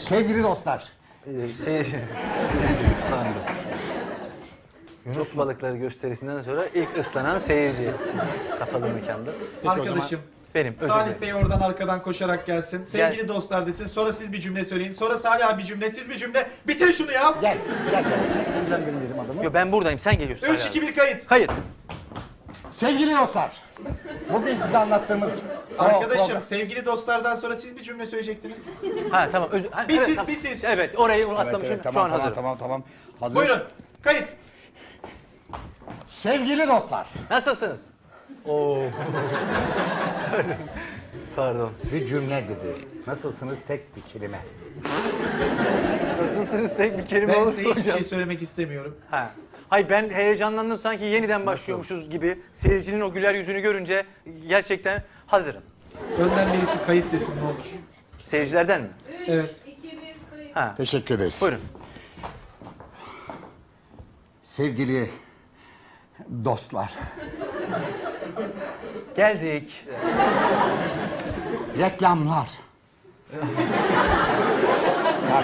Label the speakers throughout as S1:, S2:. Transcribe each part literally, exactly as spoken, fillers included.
S1: Sevgili dostlar.
S2: Ee, seyir, seyirci ıslandı. Yunus balıkları gösterisinden sonra ilk ıslanan seyirci kapalı mekanda.
S3: Arkadaşım.
S2: Benim, özür
S3: Salih
S2: dilerim.
S3: Bey oradan arkadan koşarak gelsin. Sevgili dostlar desin. Sonra siz bir cümle söyleyin. Sonra Salih abi bir cümle, siz bir cümle. Bitir şunu ya.
S1: Gel, gel canım. Sen sinirlendirmeyelim adamı.
S2: Yo, ben buradayım, sen geliyorsun.
S3: üç iki bir kayıt.
S2: Hayır.
S1: Sevgili dostlar. Bugün size anlattığımız... o
S3: Arkadaşım
S1: program-
S3: sevgili dostlardan sonra siz bir cümle söyleyecektiniz.
S2: Ha tamam. Özür, ha,
S3: Bir
S2: evet,
S3: siz,
S2: tamam.
S3: bir siz.
S2: Evet, orayı
S1: Evet,
S2: atlamışım.
S1: evet,
S2: Şu
S1: tamam,
S2: an
S1: tamam,
S2: hazırım.
S1: tamam, tamam. Hazır.
S3: Buyurun. Kayıt.
S1: Sevgili dostlar.
S2: Nasılsınız? Oo. Pardon.
S1: Bir cümle dedi. Nasılsınız tek bir kelime.
S2: Nasılsınız tek bir kelime
S3: Ben
S2: olur
S3: size
S2: mu
S3: hiçbir
S2: hocam?
S3: şey söylemek istemiyorum.
S2: Ha. Hayır, ben heyecanlandım, sanki yeniden başlıyormuşuz gibi. Seyircinin o güler yüzünü görünce gerçekten hazırım.
S3: Önden birisi kayıt desin ne olur.
S2: Seyircilerden mi?
S3: Evet.
S2: Ha.
S1: Teşekkür ederiz.
S2: Buyurun.
S1: Sevgili dostlar.
S2: Geldik.
S1: Reklamlar. Bak.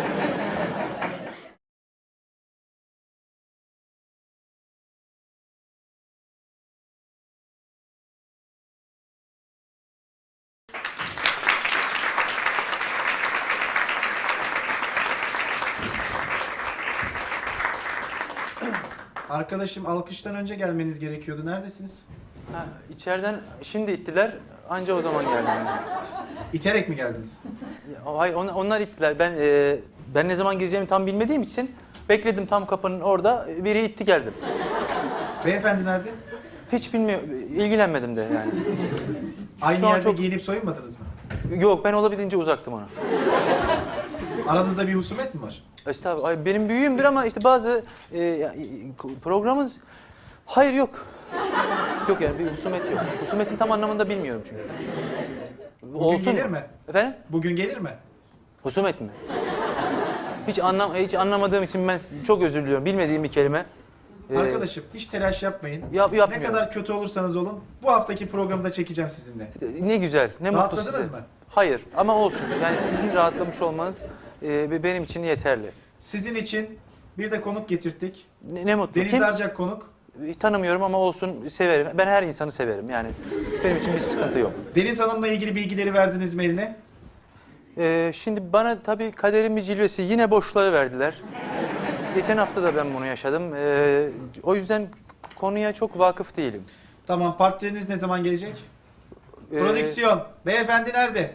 S3: Arkadaşım alkıştan önce gelmeniz gerekiyordu. Neredesiniz?
S2: Ha, içeriden şimdi ittiler, anca o zaman geldim.
S3: İterek mi geldiniz?
S2: Ya, Hayır, on- onlar ittiler. Ben e, ben ne zaman gireceğimi tam bilmediğim için bekledim tam kapının orada. Biri itti geldim.
S3: Beyefendi nerede?
S2: Hiç bilmiyorum, ilgilenmedim de yani.
S3: Aynı
S2: Şu an
S3: yerde
S2: çok-
S3: giyinip soyunmadınız mı?
S2: Yok, ben olabildiğince uzaktım ona.
S3: Aranızda bir husumet mi var?
S2: Estağfurullah. Ay, benim büyüğümdür ama işte bazı e, ya, e, programımız... Hayır, yok. Yok yani, bir husumet yok. Husumetin tam anlamında bilmiyorum çünkü.
S3: Bugün gelir mi?
S2: Efendim?
S3: Bugün gelir mi?
S2: Husumet mi? Hiç anlam hiç anlamadığım için ben çok özür diliyorum. Bilmediğim bir kelime. Ee,
S3: Arkadaşım hiç telaş yapmayın.
S2: Yap-
S3: Ne
S2: yapmıyorum.
S3: kadar kötü olursanız olun bu haftaki programı da çekeceğim sizinle.
S2: Ne güzel, ne mutlu
S3: Rahatladınız
S2: size.
S3: mı?
S2: Hayır ama olsun. Yani sizin rahatlamış olmanız e, benim için yeterli.
S3: Sizin için bir de konuk getirttik.
S2: Ne, ne mutlu.
S3: Deniz
S2: Kim?
S3: Arcak konuk.
S2: Tanımıyorum ama olsun, severim. Ben her insanı severim yani. Benim için bir sıkıntı yok.
S3: Deniz Hanım'la ilgili bilgileri verdiniz mi eline?
S2: Ee, şimdi bana tabii kaderin bir cilvesi, yine boşluğa verdiler. Geçen hafta da ben bunu yaşadım. Ee, o yüzden konuya çok vakıf değilim.
S3: Tamam, partneriniz ne zaman gelecek?
S2: Ee,
S3: Prodüksiyon. Beyefendi nerede?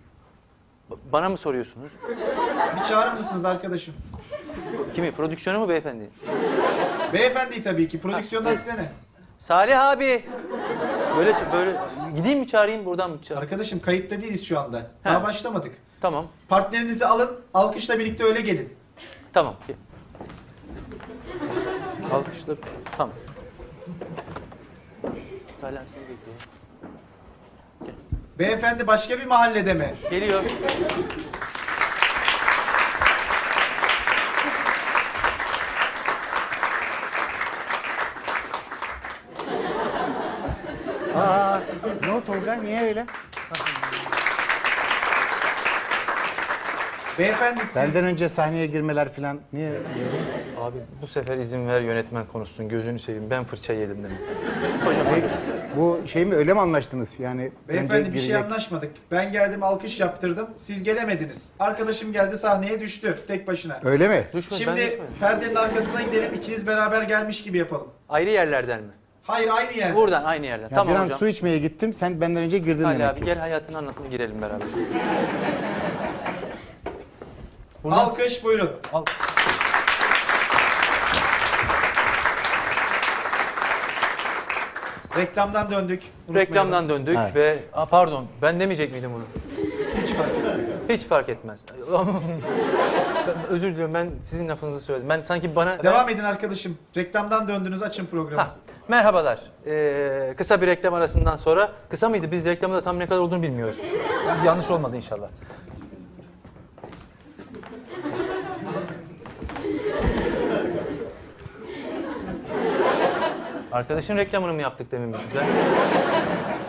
S2: Bana mı soruyorsunuz?
S3: Bir çağırır mısınız arkadaşım?
S2: Kimi? Prodüksiyonu mu beyefendi?
S3: Beyefendi tabii ki. Prodüksiyondan
S2: Ha,
S3: size ne?
S2: Salih abi. Böyle böyle gideyim mi çağırayım, buradan mı çağırayım?
S3: Arkadaşım kayıtta değiliz şu anda. Daha
S2: Ha.
S3: başlamadık.
S2: Tamam.
S3: Partnerinizi alın, alkışla birlikte öyle gelin.
S2: Tamam. Alkışla. Tamam. Salih abi seni bekliyor.
S3: Beyefendi başka bir mahallede mi?
S2: Geliyor.
S1: Aa, ne o Tolga? Niye öyle?
S3: Beyefendi siz...
S1: Benden önce sahneye girmeler falan. Niye?
S2: Abi bu sefer izin ver, yönetmen konuşsun. Gözünü seveyim. Ben fırça yedim dedim. Hocam hazırız.
S1: Bu şey mi, öyle mi anlaştınız? Yani
S3: Beyefendi
S1: önce
S3: bir şey
S1: girecek-
S3: anlaşmadık. Ben geldim alkış yaptırdım. Siz gelemediniz. Arkadaşım geldi sahneye düştü tek başına.
S1: Öyle mi?
S2: Düşme, ben
S3: Şimdi
S2: düşmedim.
S3: perdenin arkasına gidelim. İkiniz beraber gelmiş gibi yapalım.
S2: Ayrı yerlerden mi?
S3: Hayır aynı yerde.
S2: Buradan, aynı yerden.
S1: Ya
S2: Tamam
S1: bir an
S2: hocam.
S1: su içmeye gittim. Sen benden önce girdin
S2: Salih
S1: demek
S2: abi
S1: ki.
S2: gel, hayatını anlatma, girelim beraber.
S3: Alkış buyurun.
S2: Al.
S3: Reklamdan döndük.
S2: Reklamdan döndük
S1: Evet.
S2: ve... Aa, pardon, ben demeyecek miydim bunu?
S3: Hiç fark etmez.
S2: Hiç fark etmez. Ben özür diliyorum, ben sizin lafınızı söyledim. Ben sanki bana...
S3: Devam edin arkadaşım. Reklamdan döndünüz, açın programı.
S2: Ha, merhabalar. Ee, kısa bir reklam arasından sonra... Kısa mıydı? Biz reklamda da tam ne kadar olduğunu bilmiyoruz. Yanlış olmadı inşallah. Arkadaşın reklamını mı yaptık demin biz? Ben...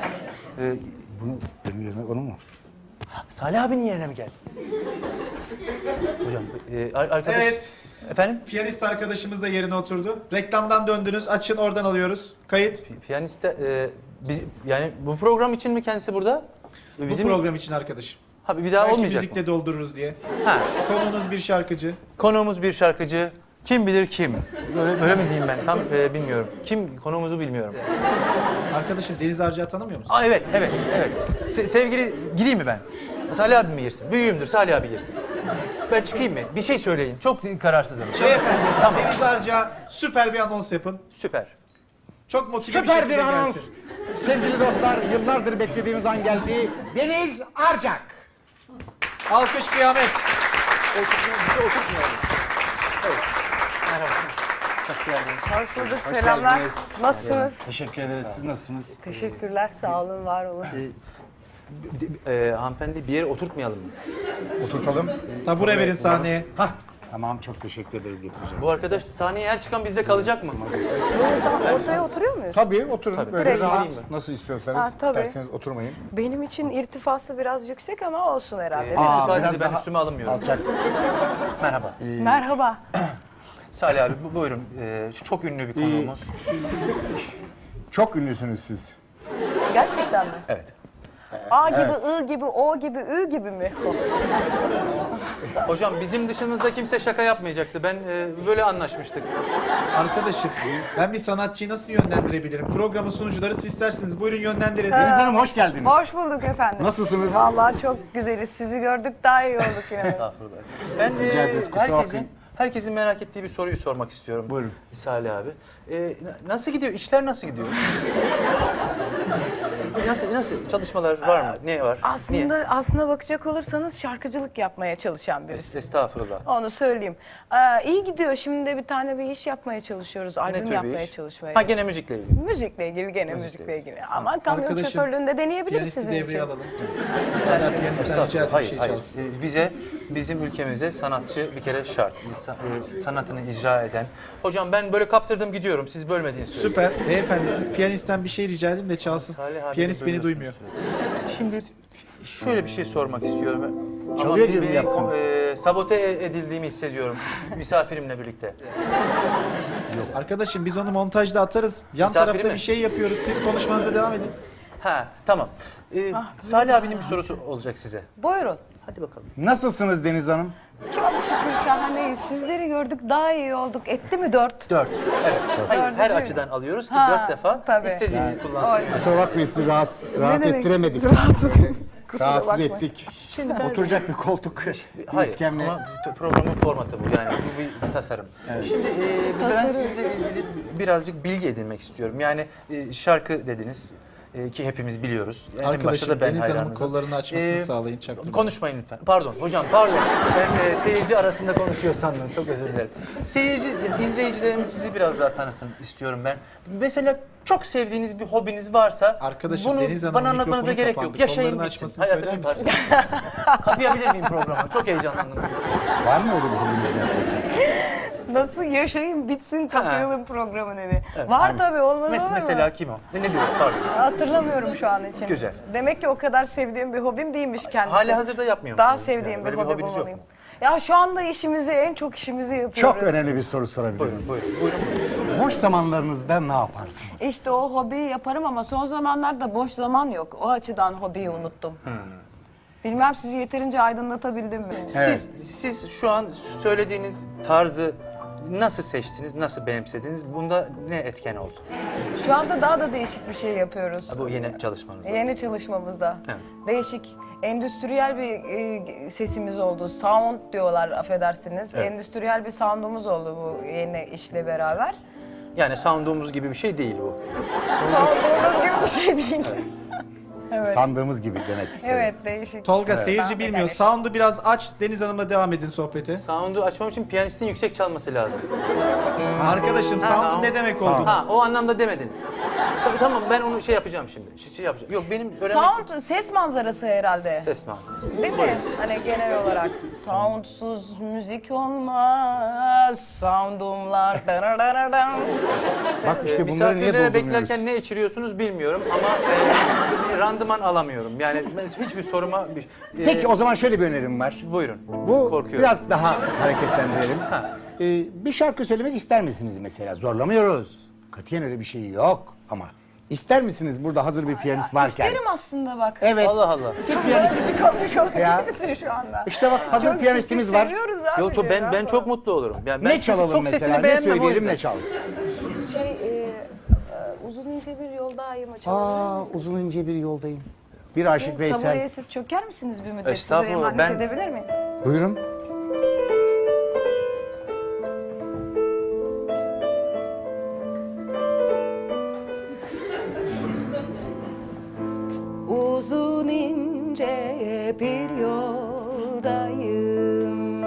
S2: Ee,
S1: Bunu benim yerine onu mu?
S2: Salih abinin yerine mi geldi? Hocam, e, ar- arkadaş...
S3: Evet.
S2: Efendim?
S3: Piyanist arkadaşımız da yerine oturdu. Reklamdan döndünüz. Açın, oradan alıyoruz. Kayıt.
S2: Pi- Piyanist de, e, biz, yani bu program için mi kendisi burada?
S3: Bu program için arkadaşım.
S2: Ha, bir daha
S3: Belki
S2: olmayacak
S3: müzikle
S2: mı?
S3: doldururuz diye.
S2: Ha,
S3: Konuğunuz bir şarkıcı.
S2: konuğumuz bir şarkıcı. Kim bilir kim? Böyle, böyle mi diyeyim ben? Tam e, bilmiyorum. Kim konuğumuzu bilmiyorum.
S3: Arkadaşım Deniz Arca'yı tanımıyor musun?
S2: Aa evet, evet, evet. Se- sevgili, gireyim mi ben? Salih abi mi girsin? Büyüğümdür, Salih abi girsin. Ben çıkayım mı? Bir şey söyleyin. Çok kararsızım.
S3: Beyefendi,
S2: Tamam.
S3: Deniz Arca süper bir anons yapın.
S2: Süper.
S3: Çok motive bir
S1: Süper
S3: şekilde
S1: bir anons.
S3: gelsin.
S1: Sevgili dostlar, yıllardır beklediğimiz an geldi. Deniz Arcak.
S3: Alkış kıyamet.
S2: Hoş geldiniz.
S4: Hoş bulduk, selamlar.
S1: geldiniz.
S4: Nasılsınız?
S1: Teşekkür ederiz. Siz nasılsınız?
S4: Teşekkürler, sağ olun, var olun.
S2: E, hanımefendi bir yere oturtmayalım mı?
S1: Oturtalım.
S3: Tabure verin sahneye.
S1: Hah. Tamam, çok teşekkür ederiz getireceğim.
S2: Bu arkadaş sahneye her çıkan bizde kalacak mı?
S4: Böyle tam ortaya oturuyor muyuz?
S1: Tabii oturun.
S2: Tabii.
S1: Böyle
S4: Direkt
S1: rahat.
S2: vereyim mi?
S1: Nasıl istiyorsanız.
S4: Ha, tabii.
S1: İsterseniz oturmayın.
S4: Benim için irtifası biraz yüksek ama olsun herhalde.
S2: Ee,
S4: değil mi?
S1: Aa,
S2: İrtifa
S1: biraz
S2: dedi, ben
S1: daha
S2: üstüme alınmıyorum.
S1: Alçak.
S2: Merhaba.
S4: Merhaba.
S2: Salih abi bu- buyurun. Ee, çok ünlü bir konuğumuz.
S1: Çok ünlüsünüz siz.
S4: Gerçekten mi?
S2: Evet.
S4: A gibi, I gibi, O gibi, Ü gibi mi?
S2: Hocam bizim dışımızda kimse şaka yapmayacaktı. Ben e, böyle anlaşmıştık.
S3: Arkadaşım, ben bir sanatçıyı nasıl yönlendirebilirim? Programın sunucuları siz isterseniz. Buyurun yönlendirin.
S1: Deniz Hanım hoş geldiniz.
S4: Hoş bulduk efendim.
S1: Nasılsınız?
S4: Vallahi çok güzeliz. Sizi gördük daha iyi olduk yine.
S2: Estağfurullah. Ben e,
S1: Rica ederiz, kusura
S2: herkesin,
S1: bakmayın.
S2: herkesin merak ettiği bir soruyu sormak istiyorum.
S1: Buyurun.
S2: Salih abi. E, na- nasıl gidiyor? İşler nasıl gidiyor? nasıl, nasıl? Çalışmalar var mı? Ne var?
S4: Aslında
S2: Niye?
S4: aslına bakacak olursanız şarkıcılık yapmaya çalışan birisi.
S2: Es- Estağfurullah.
S4: Onu söyleyeyim. Ee, iyi gidiyor. Şimdi de bir tane bir iş yapmaya çalışıyoruz.
S2: Ne
S4: Albüm
S2: tür bir
S4: yapmaya
S2: iş?
S4: çalışmaya.
S2: Ha gene müzikle ilgili.
S4: Müzikle ilgili gene
S2: Müzikle
S4: müzikle ilgili. Ama kamyon
S3: Arkadaşım,
S4: şoförlüğünde deneyebiliriz
S3: Piyanisti
S4: sizin için.
S3: devreye alalım. Hala piyanistten rica edip bir
S2: Hayır,
S3: şey
S2: hayır.
S3: çalsın.
S2: Ee, Bize, bizim ülkemize sanatçı bir kere şart. Sa- e, Sanatını icra eden. Hocam ben böyle kaptırdım gidiyorum. Siz bölmediğiniz sürece.
S3: Süper. Beyefendi siz piyanistten bir şey rica edin de çalsın.
S2: Salih abi
S3: Piyanist
S2: de
S3: beni
S2: bölüyorsunuz
S3: duymuyor.
S2: sürekli. Şimdi şöyle bir şey sormak istiyorum. Ama
S1: Çalıyor
S2: bir-
S1: gibi
S2: beni,
S1: yapsın.
S2: e, sabote edildiğimi hissediyorum misafirimle birlikte.
S3: Arkadaşım biz onu montajda atarız. Yan
S2: Misafiri
S3: tarafta
S2: mi?
S3: bir şey yapıyoruz. Siz konuşmanıza devam edin.
S2: Ha tamam. Ee, Salih abinin bir sorusu olacak size.
S4: Buyurun.
S2: Hadi bakalım.
S1: Nasılsınız Deniz Hanım?
S4: Çok şükür şahaneyiz. Sizleri gördük daha iyi olduk. Etti mi dört?
S2: Dört. Evet. Hayır, her
S4: Dördüncü.
S2: açıdan alıyoruz ki
S4: Ha,
S2: dört defa
S4: tabii.
S2: istediğini kullansın.
S4: Oy.
S1: Kusura bakmayın sizi rahatsız, rahat
S4: demek?
S1: ettiremedik.
S4: Rahatsız. Kusura
S1: Rahatsız
S4: bakmayın.
S1: ettik.
S2: Şimdi ben...
S1: Oturacak bir koltuk, bir
S2: Hayır
S1: iskemle.
S2: ama t- programın formatı bu yani bu bir tasarım. Şimdi e, ben
S4: Tasarım.
S2: sizle ilgili birazcık bilgi edinmek istiyorum. Yani e, şarkı dediniz e, ki hepimiz biliyoruz. En başta
S3: Arkadaşım
S2: da ben
S3: Deniz Hanım'ın
S2: hayranınızım.
S3: kollarını açmasını
S2: Ee,
S3: sağlayın. Çaktırmayın.
S2: Konuşmayın lütfen. Pardon hocam pardon. Ben e, seyirci arasında konuşuyor sandım. Çok özür dilerim. Seyirci, izleyicilerimiz sizi biraz daha tanısın istiyorum ben. Mesela çok sevdiğiniz bir hobiniz varsa
S3: Arkadaşım
S2: bunu
S3: Deniz Hanım
S2: bana anlatmanıza
S3: mikrofonu
S2: gerek
S3: kapandı.
S2: yok. Yaşayın
S3: Kollarını
S2: gitsin.
S3: açmasını
S2: Hayatın
S3: söyler
S2: bir parçası. Kapayabilir miyim programı? Çok heyecanlandım.
S1: Var mı öyle bir hobiniz gerçekten?
S4: Nasıl yaşayın bitsin kapayalım programı dedi.
S2: Evet.
S4: Var tabii olmaz
S2: Mes-
S4: olur mu?
S2: mesela kim o? Ne, ne diyor? Pardon.
S4: Hatırlamıyorum şu an için.
S2: Güzel.
S4: Demek ki o kadar sevdiğim bir hobim değilmiş kendisi.
S2: Hali hazırda yapmıyor
S4: Daha
S2: musunuz?
S4: sevdiğim
S2: Yani
S4: bir
S2: böyle
S4: hobi
S2: hobiniz yok
S4: bulmalıyım.
S2: mu?
S4: Ya şu anda işimizi, en çok işimizi yapıyoruz.
S1: Çok önemli bir soru sorabilirim.
S2: Buyurun, buyurun, buyurun. buyurun.
S1: Boş zamanlarınızda ne yaparsınız?
S4: İşte o hobiyi yaparım ama son zamanlarda boş zaman yok. O açıdan hobiyi unuttum.
S2: Hmm.
S4: Bilmem sizi yeterince aydınlatabildim mi?
S2: Siz, siz şu an söylediğiniz tarzı nasıl seçtiniz, nasıl benimsediniz? Bunda ne etken oldu?
S4: Şu anda daha da değişik bir şey yapıyoruz.
S2: Bu yeni çalışmanızda.
S4: Yeni çalışmamızda.
S2: Evet.
S4: Değişik, endüstriyel bir e, sesimiz oldu. Sound diyorlar affedersiniz.
S2: Evet.
S4: Endüstriyel bir soundumuz oldu bu yeni işle beraber.
S2: Yani soundumuz gibi bir şey değil bu.
S4: Soundumuz gibi bir şey değil. Evet.
S1: Sandığımız gibi demek istedim.
S4: Evet, değişik.
S3: Tolga seyirci
S4: Ben de
S3: bilmiyor.
S4: gerek-
S3: Sound'u biraz aç. Deniz Hanım'la devam edin sohbete.
S2: Sound'u açmam için piyanistin yüksek çalması lazım.
S3: Arkadaşım sound'un
S2: sound-
S3: ne demek
S1: sound.
S3: olduğunu.
S2: Ha, o anlamda demediniz. Tabii, tamam ben onu şey yapacağım şimdi. Şey, şey yapacağım. Yok benim öğrenmek
S4: Sound, ses manzarası herhalde.
S2: ses manzarası.
S4: Değil mi? Hani genel olarak soundsuz müzik olmaz. Soundumlar.
S1: Bak işte bunları niye
S2: Misafirlere
S1: doldurmuyoruz?
S2: beklerken ne içiriyorsunuz bilmiyorum ama e, random randıman alamıyorum. Yani ben hiçbir soruma... Bir, e,
S1: Peki o zaman şöyle bir önerim var.
S2: Buyurun.
S1: Bu
S2: Korkuyorum.
S1: biraz daha hareketlendirelim.
S2: Ha.
S1: Ee, bir şarkı söylemek ister misiniz mesela? Zorlamıyoruz. Katiyen öyle bir şey yok ama ister misiniz burada hazır bir piyanist varken?
S4: İsterim aslında bak.
S1: Evet.
S2: Allah Allah.
S1: Bir piyanist.
S4: Böyle çıkarmış
S1: Ya.
S4: olabilir misin şu anda?
S1: İşte bak hazır
S4: Çok
S1: piyanistimiz
S4: ciddi
S1: var.
S4: Seviyoruz abi.
S2: Yo, çok, ben
S4: ya.
S2: ben çok mutlu olurum. Yani ben
S1: Ne çalalım
S2: çok
S1: mesela?
S2: sesini
S1: Ne
S2: beğenmem o
S1: söyleyelim
S2: yüzden.
S1: ne çalalım?
S4: Şey, e, e, uzun ince bir yoldayım açalım.
S1: Aa uzun ince bir yoldayım. Bir aşık Veysel.
S4: Tabureye siz çöker misiniz bir müddet? Size
S2: Estağfurullah,
S4: emanet
S2: ben-
S4: edebilir miyim?
S1: Buyurun.
S4: Uzun ince bir yoldayım.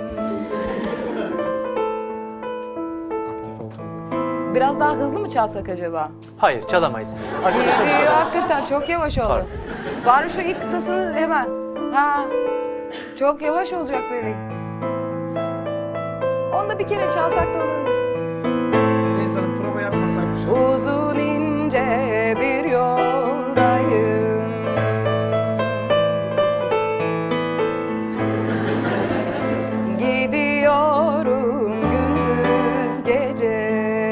S3: Aktif oldu.
S4: Biraz daha hızlı mı çalsak acaba?
S2: Hayır, çalamayız. Arkadaşım
S4: İyi, iyi, hakikaten çok yavaş oldu.
S2: Pardon.
S4: Bari şu ilk kıtasını hemen. Ha. Çok yavaş olacak böyle. Onu da bir kere çalsak da olur.
S3: Deniz Hanım prova yapmasak şu an.
S4: Uzun ince bir yoldayım. Gidiyorum gündüz gece.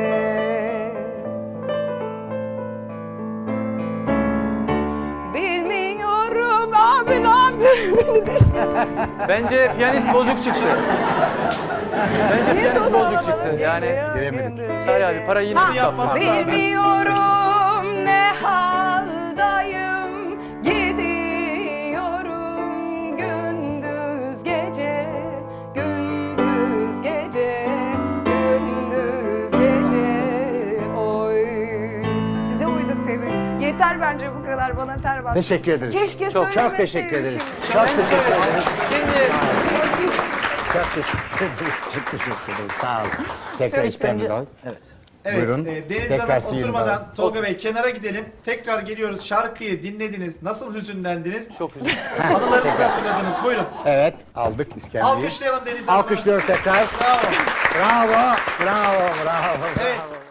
S4: Bilmiyorum abi ne yaptın?
S2: Bence piyanist bozuk çıktı. Bence
S4: Niye
S2: piyanist
S4: tonu
S2: bozuk
S4: alamadın?
S2: çıktı. Yani
S1: Giremedik.
S4: Gündüz
S2: Salih abi
S4: gece.
S2: para yine
S4: Ha,
S2: biz
S3: yapmamız
S2: kaptık.
S3: lazım.
S4: Bilmiyorum ne haldayım. Gidiyorum gündüz gece. Gündüz gece. Gündüz gece. Oy. Size uyduk tabii. Yeter bence bu kadar. Bana ter bastı.
S1: Teşekkür ederiz.
S4: Keşke
S1: çok, çok teşekkür
S4: söylemeseymişim.
S1: ederiz. Çok
S2: Ben
S1: teşekkür
S2: söyledim.
S1: ederiz.
S2: Şimdi
S1: Çok teşekkür ederiz. Çok teşekkür ederiz. Sağ olun. Tekrar
S4: Çok
S1: isteğimiz al.
S2: evet.
S3: Evet,
S1: Buyurun.
S3: e, Deniz
S1: Tekrar
S3: Hanım
S1: sihirinizi
S3: oturmadan
S1: alın.
S3: Tolga Bey kenara gidelim. Tekrar geliyoruz. Şarkıyı dinlediniz. Nasıl hüzünlendiniz?
S2: Çok üzüldüm.
S3: Anılarınızı hatırladınız. Buyurun.
S1: Evet aldık iskemleyi.
S3: Alkışlayalım Deniz Hanım'ı.
S1: Alkışlıyoruz tekrar.
S3: Bravo.
S1: Bravo. Bravo. Bravo.
S3: Evet.